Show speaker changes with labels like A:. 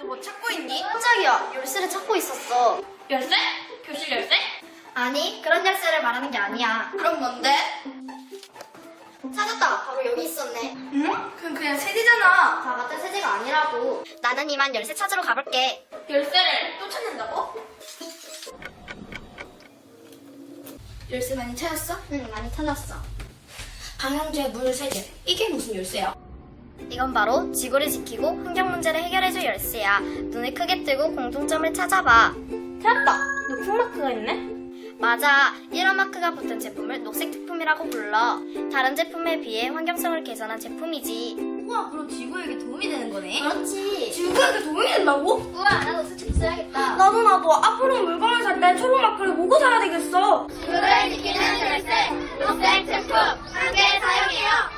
A: 뭐 찾고 있니?
B: 깜짝이야, 열쇠를 찾고 있었어.
A: 열쇠? 교실 열쇠?
B: 아니, 그런 열쇠를 말하는 게 아니야.
A: 그럼 뭔데?
B: 찾았다. 바로 여기 있었네.
A: 응? 그건 그냥 세제잖아.
B: 다 같은 세제가 아니라고. 나는 이만 열쇠 찾으러 가볼게.
A: 열쇠를 또 찾는다고? 열쇠 많이 찾았어?
B: 응, 많이 찾았어.
A: 방향제 물 세제. 이게 무슨 열쇠야?
B: 이건 바로 지구를 지키고 환경 문제를 해결해줄 열쇠야. 눈을 크게 뜨고 공통점을 찾아봐.
A: 찾았다. 녹색 마크가 있네?
B: 맞아. 이런 마크가 붙은 제품을 녹색 제품이라고 불러. 다른 제품에 비해 환경성을 개선한 제품이지.
A: 우와, 그럼 지구에게 도움이 되는 거네?
B: 그렇지.
A: 지구에게 도움이 된다고?
B: 우와, 나도 수첩 써야겠다.
A: 나도 앞으로 물건을 살 때 초록 마크를 보고 사야 되겠어.
B: 지구를 지키는 열쇠, 녹색 제품 함께 사용해요.